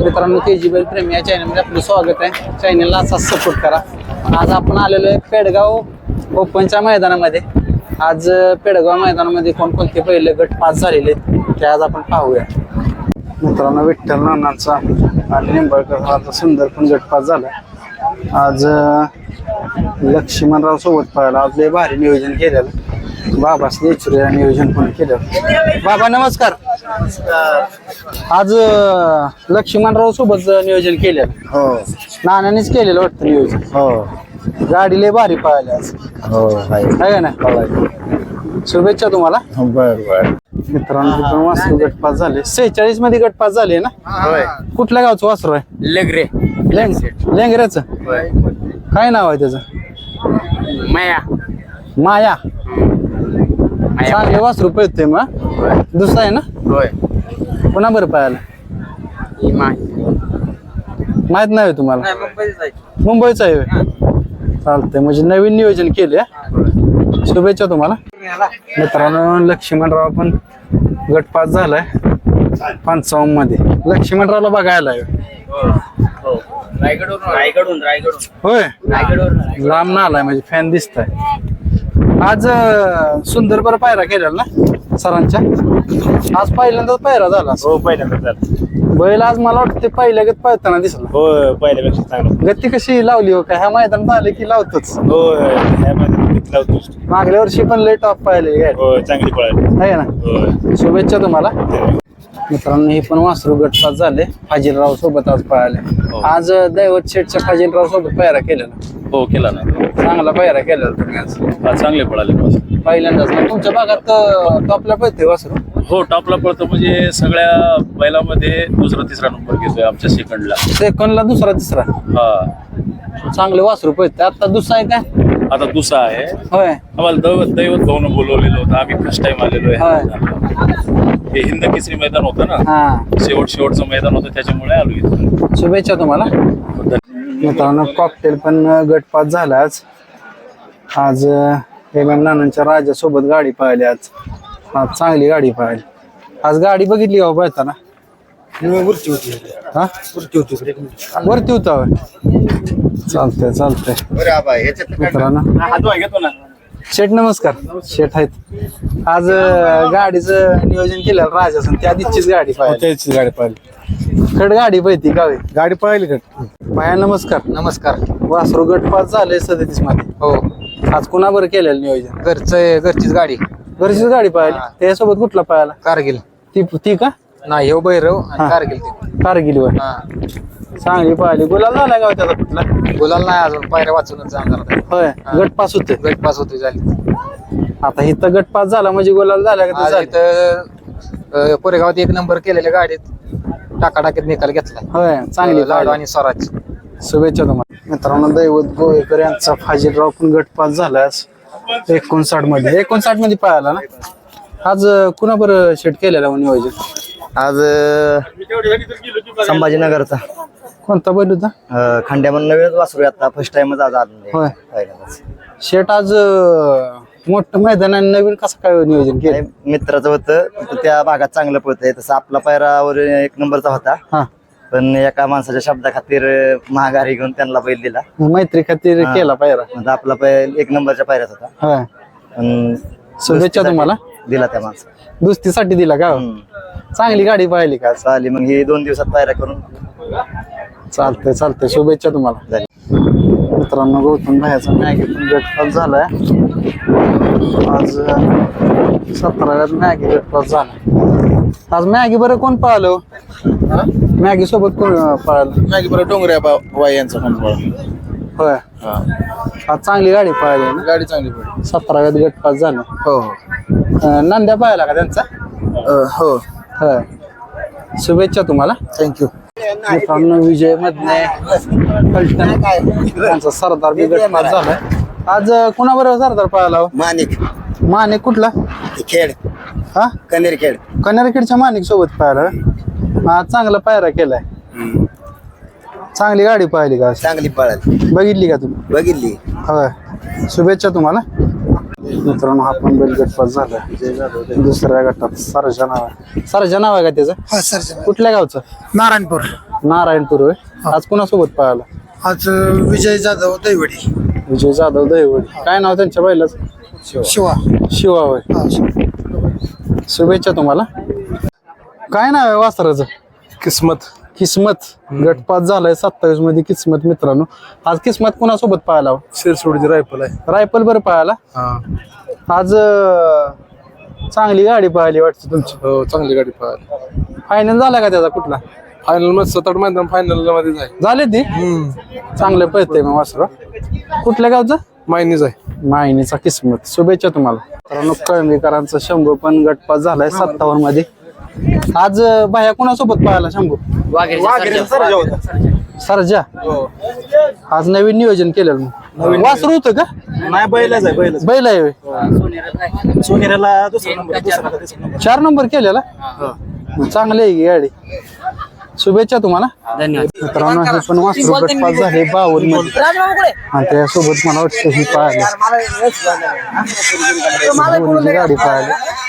मित्रांनो KG बैल प्रेमी या चॅनलमध्ये आपलं स्वागत आहे. चॅनलला असाच सपोर्ट करा. आज आपण आलेलो आहे पेडगाव ओपनच्या मैदानामध्ये. आज पेडगाव मैदानामध्ये कोणकोणते पहिले गट पास झालेले आहेत ते आज आपण पाहूया. मित्रांनो विठ्ठल नानांचा आणि निंबाळकर सुंदर पण गट पास झाला. आज लक्ष्मणराव सोबत पाहायला आज लय भारी नियोजन केलेलं. बाबासने इचुऱ्या नियोजन पण केलं. बाबा नमस्कार. आज लक्ष्मणराव सोबत नियोजन केलेलं. हो नानानेच केलेलं वाटतं नियोजन. हो गाडी लय भारी पाहायला आज. हो आहे ना. शुभेच्छा तुम्हाला. बर बर मित्रांनो वासरू गटपास झाले. 46 मध्ये गटपास झाले ना. कुठल्या गावचं वासरू आहे? लेंगरे. लेंगऱ्याचं काय नाव आहे त्याचं? माया. माया चांगले वासरू पळते मग. दुसरा आहे ना. होय पुन्हा बरं पाहायला माहित नाही तुम्हाला? मुंबईचं आहे. चालतंय म्हणजे नवीन नियोजन केले. शुभेच्छा तुम्हाला. मित्रांनो लक्ष्मणराव पण गटपास झालाय 55 मध्ये. लक्ष्मणरावला बघायला होय लांब ना आलाय म्हणजे फॅन दिसताय. आज सुंदर बरं पायरा केलेला ना सरांच्या. आज पहिल्यांदाच पायरा झाला. हो पहिल्यांदा झाला बैल आज मला वाटतं पहिल्या गत पळताना दिसला. हो पहिल्यापेक्षा चांगलं. गती कशी लावली हो काय? ह्या मैदानात आले की लावतोच. हो लावतो. मागल्या वर्षी पण लय टॉप पाहिले हो चांगली पळाली आहे ना. शुभेच्छा तुम्हाला. मित्रांनो हे पण वासरू गटपास झाले. फाजीलराव सोबत आज पळाले. आज दैवत शेठच्या फाजीलराव सोबत पायरा केलेला. हो केला ना. चांगला पायरा केलेला तुम्ही आज. चांगले पळाले पहिल्यांदाच ना तुमच्या भागात टॉपला पळते वासरू. हो टॉपला पळतो म्हणजे सगळ्या बैलामध्ये दुसरा तिसरा नंबर घेतोय आमच्या सेकंडला दुसरा तिसरा. हा चांगले वासरू पळते. आता दुसरा आहे काय? आता दुसरा आहे. होय आम्हाला दैवत भाऊन बोलवलेलं होतं. आम्ही फर्स्ट टाइम आलेलो आहे. हे हिंद केसरी मैदान होतं ना. शेवटचं मैदान होतं त्याच्यामुळे आलो इथं. शुभेच्छा तुम्हाला. मित्रांनो कॉकटेल पण गटपास झाला आज. आज नानांच्या राजासोबत गाडी पाहिली. आज चांगली गाडी पाहिली. आज गाडी बघितली का पळताना? वरती होती. हा वरती होता. चालतंय चालतंय. मित्रांनो शेठ नमस्कार. शेठ आहेत. आज गाडीचं नियोजन केलं राजासन. त्या दिवशीच गाडी पाहिली. गाडी पाहिली. खड गाडी पाहिजे गावी. गाडी पाहिली का? माया नमस्कार. नमस्कार. वासरू गटपास झाले 37 मध्ये. हो आज कुणा बरं केलेलं नियोजन? घरचीच गाडी. घरचीच गाडी पाहिली. त्यासोबत कुठला पाहायला? कारगिल. ती का नाही हो भैरव आणि कारगिल. कारगिल वर चांगली पाहिली. गुलाल झाला गाव त्याचा कुठला? गुलाल नाही अजून. पायऱ्या वाचूनच जाणार. होय गटपास होते. गटपास होते झाली. आता इथं गटपास झाला म्हणजे गुलाल झाला का? इथं कोरेगावात 1 नंबर केलेल्या गाडीत टाकाटाकीत निकाल घेतला. होय चांगली लाडू आणि स्वराज. शुभेच्छा तुम्हाला. मित्रांनो दैवत गोवेकर यांचा फाजीलराव पण गटपास झाला 59 मध्ये. 59 मध्ये पाहायला ना. आज कुणा बरं शेट केलेला नियोजन? आज संभाजीनगरचा कोणता बैल होता? खंड्यामधून नवीनच वासरू. आता फर्स्ट टाइमच आज आलो. होय शेट आज मोठं मैदान आणि नवीन कसं काय नियोजन केलं? मित्राचं होतं त्या भागात चांगलं पळतंय. तसं आपला पायरावर 1 नंबरचा होता. हा पण एका माणसाच्या शब्दा खातीर महागारी घेऊन त्यांना बैल दिला. मैत्री खातीर केला पायरा. आपला बैल 1 नंबरच्या पायऱ्यात होता. होय पण शुभेच्छा तुम्हाला. दिला त्या माणसा. दुस्तीसाठी दिला का? चांगली गाडी पाहिली का? चालेल मग ही 2 दिवसात पायऱ्या करून. चालतंय चालतंय. शुभेच्छा तुम्हाला. मित्रांनो गौतम भाईचा मॅगी पण गटपास झालाय. आज 17व्यात मॅगी गटपास झाला. आज मॅगी बरं कोण पळालं? मॅगी सोबत कोण पळालं? मॅगी बरं डोंगऱ्या वाय यांचा पण पळाला. होय आज चांगली गाडी पळाली ना. गाडी चांगली पडली. 17व्यात गटपास झाला. हो नंद्या पाहिला का त्यांचा? हो होय शुभेच्छा तुम्हाला. थँक्यू. मित्रांनो विजय मधने त्यांचा सरदार बी गटपास झालाय. आज कुणाबरोबर सरदार पळाला? माणिक कुठला? खेड. हा कनेरखेड. कनेरखेडच्या माणिक सोबत पाहिला. आज चांगला पायरा केलाय. चांगली गाडी पाहिली का? चांगली पळाली. बघितली का तुम्ही? बघितली. होय शुभेच्छा तुम्हाला. मित्रांनो हा पण बैल गटपास झाला. दुसऱ्या गटात सरजा नाव आहे. सरजा नाव आहे का त्याचं? कुठल्या गावचं? नारायणपूर. नारायणपूर होय. आज कुणासोबत पळाला? आज विजय जाधव दैवडी. विजय जाधव दहिवडी. काय नाव त्यांच्या बैलाचं? शिवा. शिवा होय. हा, शिवा. शुभेच्छा तुम्हाला. काय नाव आहे वासराचं? किस्मत. किस्मत. गटपात झालाय 27 मध्ये किस्मत मित्रांनो. आज किस्मत कुणासोबत पळाला? शिरसोडची रायफल आहे. रायफल बरं पळाला. आज चांगली गाडी पळाली वाटतं तुमची. हो चांगली गाडी पळाली. फायनल झाला का त्याचा कुठला? फायनल मध्ये 7-8 मैदान फायनल मध्ये जाईल. झाले ती चांगलं पळतंय मग वासरा. कुठल्या गावचं? मायनीच आहे. मायनीचा किस्मत. शुभेच्छा तुम्हाला. मित्रांनो कळंबीकरांचा शंभू पण गटपात झालाय 57 मध्ये. आज बाह्या कुणासोबत पळाला शंभू? सरजा. आज नवीन नियोजन केलं मग. वासरू होतं का? नाही बैलच आहे बैलच. बैल आहे होय. सोनेराला दुसरा नंबर. 4 नंबर केलेला. मग चांगली आहे की गाडी. शुभेच्छा तुम्हाला. मित्रांनो हे पण वासरू गटपात झाले 52 मध्ये आणि त्यासोबत मला वाटतं ही पाहिली गाडी पाहिली.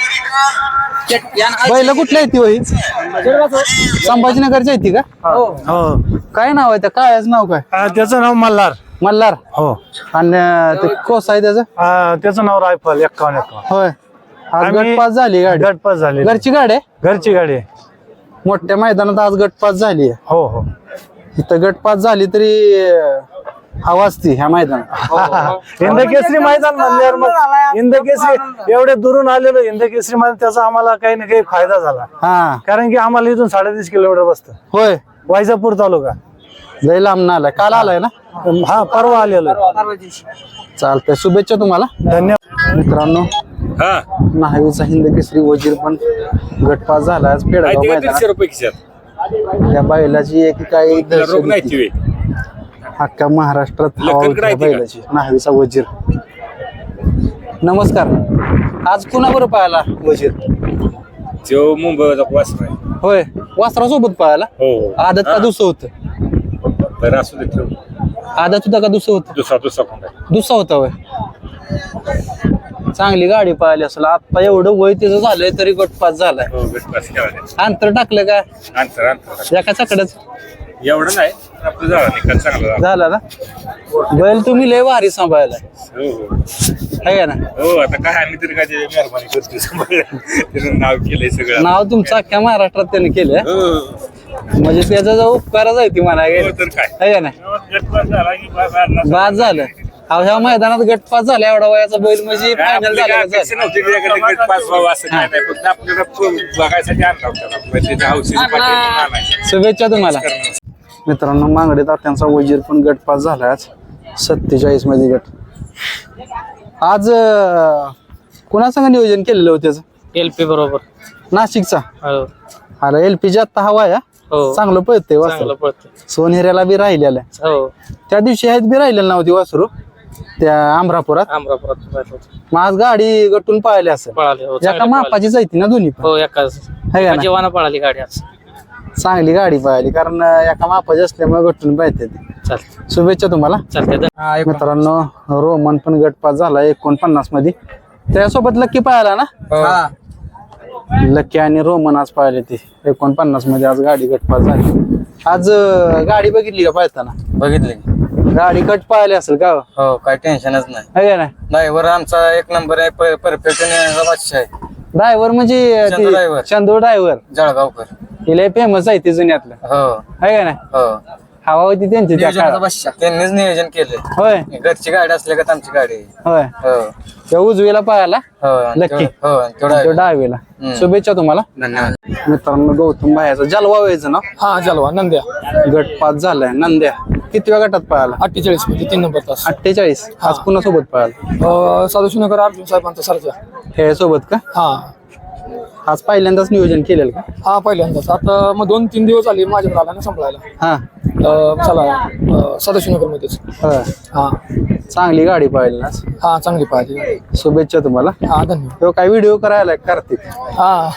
बैल कुठल्या येते होई? संभाजीनगरच्या येते का? काय नाव आहे त्या? काय नाव काय? त्याचं नाव मल्हार. मल्हार. हो. आणि ते कोस आहे त्याचं? त्याचं नाव रायफल 51. होय. आज आम्ही- गटपास झाली गाडी. गटपास झाले. घरची गाडी आहे. घरची गाडी आहे. मोठ्या मैदानात आज गटपास झाली आहे. हो हो. इथं गटपास झाली तरी हवा असती ह्या मैदानात. हिंदकेसरी मैदान म्हणल्यावर मग हिंदकेसरी एवढे दुरून आलेलो हिंदकेसरी मैदान त्याचा आम्हाला काही ना काही फायदा झाला. हा कारण की आम्हाला इथून 3.5 किलोमीटर बसतं. होय. वायजापूर तालुका. लय लांब ना आलाय. काल आलाय ना? हा परवा आलेलो. चालतंय. शुभेच्छा तुम्हाला. धन्यवाद. मित्रांनो न्हावीचा हिंदकेसरी वजीर पण गटपास झाला आज पेडगाव मैदानात. त्या बैलाची एक काही दहशत होती. अख्ख्या महाराष्ट्रात हवा होती त्या बैलाची. न्हावीचा वजीर. नमस्कार. आज कुणाबरोबर पाहायला वजीर? जो मुंबईचा वासर आहे. होय. वासरासोबत पाहायला. हो आदत का दुसरं होतं? तर असू दे ठेव. आदत होता का दुसरं होतं? दुसरा कोण आहे? दुसरा होता होय. चांगली गाडी पाहिली असेल. आता एवढं वय त्याचं झालंय तरी गटपास झालाय. हो गटपास केला. अंतर टाकलं का? अंतर एका चकड्याच एवढं नाही आपलं झालं निकाल चांगला झाला ना. बैल तुम्ही लय भारी सांभाळलाय. हो आहे का ना? हो. आता काय आम्ही तरी काय त्याची मेहरबानी करतो. त्याचं नाव केलंय सगळं. नाव तुमचं अख्ख्या महाराष्ट्रात त्याने केलंय. हो म्हणजे त्याचा जो उपकारच आहे ती म्हणा. तर काय आहे का ना? गटपास झाला की बाद झालं. ह्या मैदानात गटपास झाला एवढा वयाचा बैल म्हणजे फायनल झाला. शुभेच्छा तुम्हाला. मित्रांनो मांगडे तात्यांचा वजीर पण गटपास झाला आज 47 मध्ये गट. आज कुणासंग नियोजन केलेलं होतं त्याचं? LP बरोबर. नाशिकचा. हो अरे LPG आता हवा या हो. चांगलं पळतंय वासरू. चांगलं पळतं. सोनेऱ्याला बी राहिलेलं आहे. हो त्या दिवशी आहेत बी राहिलेलं नव्हती वासरू त्या अमरापुरात. अमरापुरात मग आज गाडी गटून पाहिली असेल. पळाली. हो एका चांगली पळाली. मापाची जायती ना दोन्ही पण. हो एकाच है का ना? जेवण पळाली गाडी आज. चांगली गाडी पाहिली कारण एका मापाची असल्यामुळे गटून पाहिजे. चालते शुभेच्छा तुम्हाला. चालते. मित्रांनो रोमन पण गटपास झाला 49 मध्ये. त्यासोबत लक्की पाहिला ना. लक्की आणि रोमन आज पाहिले ते 49 मध्ये. आज गाडी गटपास झाली. आज गाडी बघितली का पाहताना? बघितले. गाडी गट पाहिली असेल का? हो काय टेन्शनच नाही. है का ना? ड्रायव्हर आमचा एक नंबर आहे. परफेक्ट आहे. ड्रायव्हर म्हणजे चंदू driver. चंदू ड्रायव्हर. जळगावकर. तिला फेमस आहे ते जुन्यातलं. हो है का ना? हो. हवा होती त्यांची त्या काळात. त्यांनीच नियोजन केले. होय घरची गाडी असल्या का आमची गाडी. होय. हो त्या उजवीला पाहायला हो. लक्की. हो तो डावीला. शुभेच्छा तुम्हाला. धन्यवाद. मित्रांनो गौतम भायाचा जलवा व्हायचं ना. हा जलवा नंद्या. गटपास झालाय नंद्या. कितव्या गटात पाहायला? 48 मध्ये 3 नंबर तास. 48. आज कुणासोबत पाहायला? सदाशिवनगर अर्जुन साहेबांचा सरजा. हे सोबत का? हा आज पहिल्यांदाच नियोजन केलेलं का? हा पहिल्यांदाच. आता मग 2-3 दिवस आले माझ्याकडे आला ना संपलायला. हा चला सदाशिवनगर मध्येच. होय. हा चांगली गाडी पाहिली आज. हा चांगली पाहिजे. शुभेच्छा तुम्हाला. हा धन्यवाद. तो काय व्हिडिओ करायला कार्तिक? हा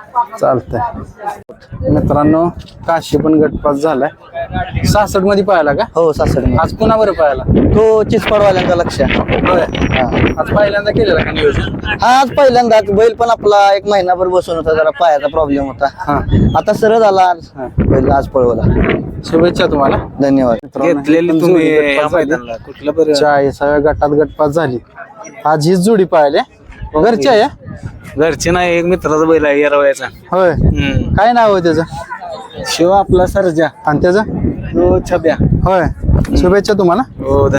चालतंय मित्रांनो, काशी पण गटपास झालाय. 66 मध्ये पाहिला का? हो 66. आज कुणावर पाहिला? तो चिचपडवाल्यांचा लक्ष. होय. आज पहिल्यांदा केलेला का नियोजन? हा आज पहिल्यांदाच. बैल पण आपला 1 महिनाभर बसून होता, जरा पायाचा प्रॉब्लेम होता. हा. आता सरळ झाला आज. बैल आज पळवला. शुभेच्छा तुम्हाला. धन्यवाद. घेतलेली तुम्ही 40व्या गटात गटपास झाली. आज हीच जोडी पाहिली. घरची आहे? घरचे नाही, एक मित्राचा बैल आहे येरवळ्याचा. होय. काय नाव आहे त्याचं? शिव आपला सरजा आणि त्याचं? तो छब्या. होय. शुभेच्छा तुम्हाला. हो